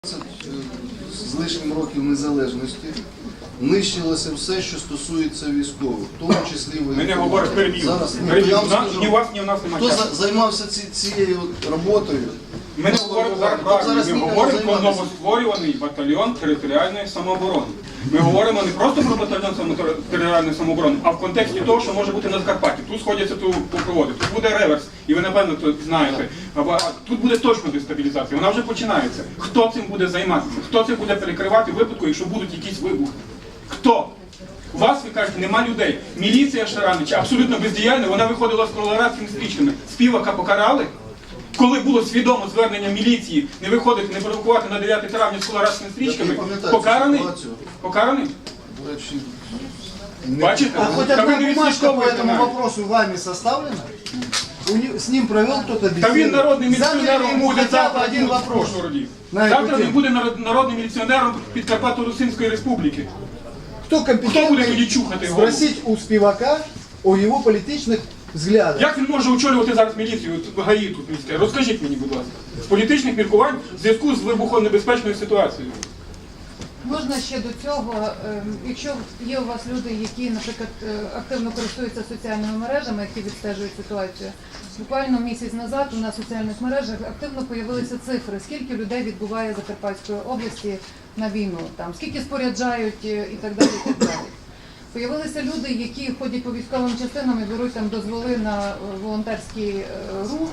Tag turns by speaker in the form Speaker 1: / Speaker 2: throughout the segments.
Speaker 1: З лишнім років незалежності нищилося все, що стосується військових, в тому числі ви.
Speaker 2: Ми не говоримо перебів.
Speaker 1: Зараз
Speaker 2: Ні у вас, ні у нас немає часу.
Speaker 1: Хто займався цією роботою?
Speaker 2: Ми не говоримо зараз правильно, ми говоримо про новостворюваний батальйон територіальної самооборони. Ми говоримо не просто про батальйон територіальної самооборони, а в контексті того, що може бути на Закарпатті. Тут сходяться проводи, тут буде реверс, і ви напевно це знаєте. Тут буде точно дестабілізація, вона вже починається. Хто цим буде займатися? Хто цим буде перекривати в випадку, якщо будуть якісь вибухи? Хто? У вас, ви кажете, нема людей. Міліція Шаранича абсолютно бездіяльна, вона виходила з колорадськими стрічками. Співака покарали? Коли було свідомо звернення міліції не виходити, не провокувати на 9 травня з колорадськими стрічками, покараний? Покараний? Бачите?
Speaker 3: А хоть одна бумажка по этому вопросу вами составлена? С ним провел кто-то беседу?
Speaker 2: Та він народним міліціонером буде завтра
Speaker 3: один вопрос.
Speaker 2: Завтра він буде народним міліціонером Підкарпатсько-Русинської республіки.
Speaker 3: Кто
Speaker 2: Хто буде
Speaker 3: компетентный
Speaker 2: тоді чухати голову?
Speaker 3: спросить у Спивака о его политичных взглядах?
Speaker 2: Як він може очолювати зараз міліцію в ГАІ тут міське? Розкажіть мені, будь ласка. З політичних міркувань в зв'язку з вибухонебезпечною ситуацією.
Speaker 4: Можна ще до цього, якщо є у вас люди, які, наприклад, активно користуються соціальними мережами, які відстежують ситуацію, буквально місяць назад у нас в соціальних мережах активно з'явилися цифри, скільки людей відбуває Закарпатської області на війну, там, скільки споряджають і так далі, і так далі. Появилися люди, які ходять по військовим частинам і беруть там дозволи на волонтерський рух,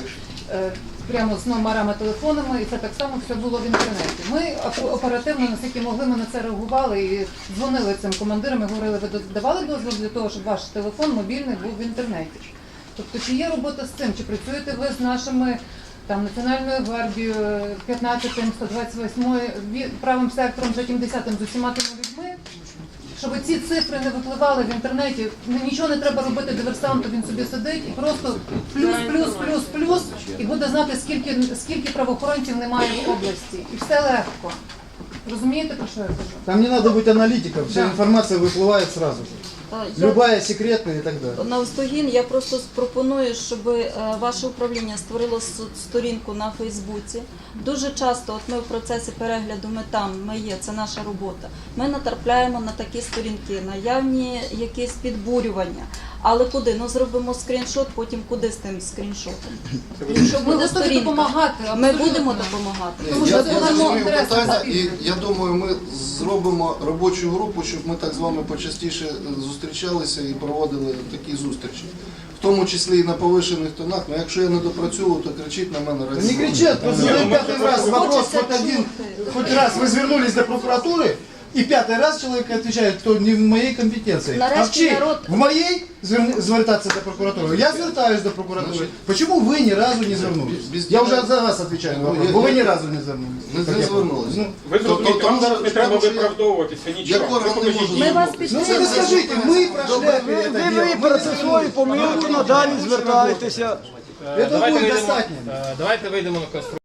Speaker 4: прямо з номерами телефонами, і це так само все було в інтернеті. Ми оперативно, наскільки могли, ми на це реагували і дзвонили цим командирам і говорили, ви давали дозвіл для того, щоб ваш телефон мобільний був в інтернеті. Тобто, чи є робота з цим, чи працюєте ви з нашими там, Національною гвардією, 15-м, 128-м, правим сектором, 10-м, з усіма тими людьми, щоб ці цифри не випливали в інтернеті, нічого не треба робити диверсанту, він собі сидить і просто плюс, і буде знати, скільки правоохоронців немає в області. І все легко. Розумієте, про що я кажу?
Speaker 3: Там не надо быть аналитиком, вся информация выплывает сразу же. Любая секретная и так далі.
Speaker 5: Навздогін я просто пропоную, щоб ваше управління створило сторінку на Фейсбуці. Дуже часто, от ми в процесі перегляду, ми є, це наша робота. Ми натрапляємо на такі сторінки, наявні якісь підбурювання. Але куди? Ну зробимо скріншот, потім куди з тим скріншотом? Якщо
Speaker 4: Ми
Speaker 5: буде
Speaker 4: готові допомагати.
Speaker 5: ми будемо допомагати.
Speaker 4: Тому що
Speaker 1: Я
Speaker 4: це
Speaker 1: розумію
Speaker 4: інтерес
Speaker 1: питання, і
Speaker 4: суспільства.
Speaker 1: я думаю, ми зробимо робочу групу, щоб ми так з вами почастіше зустрічалися і проводили такі зустрічі. В тому числі і на повишених тонах, але якщо я не допрацюю, то кричіть на мене
Speaker 3: Да не
Speaker 1: радіо.
Speaker 3: кричат, просто пятый раз вопрос, хоть раз вы звернулись до прокуратуры, и пятый раз человек отвечает, кто не в моей компетенции. А в
Speaker 5: Нарешті
Speaker 3: чьей?
Speaker 5: народ-
Speaker 3: В моей звертаться до прокуратуры? Я звертаюсь до прокуратуры. Почему вы ни разу не звернулись? Я уже за вас отвечаю на вопрос. Вы ни разу не звернулись.
Speaker 1: Не звернулися.
Speaker 2: Ви зрозумієте, вам зараз не треба виправдовуватися, нічого.
Speaker 1: Як орган не може
Speaker 5: Ми вас
Speaker 1: звернутися?
Speaker 3: Ну вы скажите, мы прошли это дело.
Speaker 6: Ви процесує помилку, надалі звертайтеся.
Speaker 3: Это будет достатньо.
Speaker 7: Давайте вийдемо на конструктивну.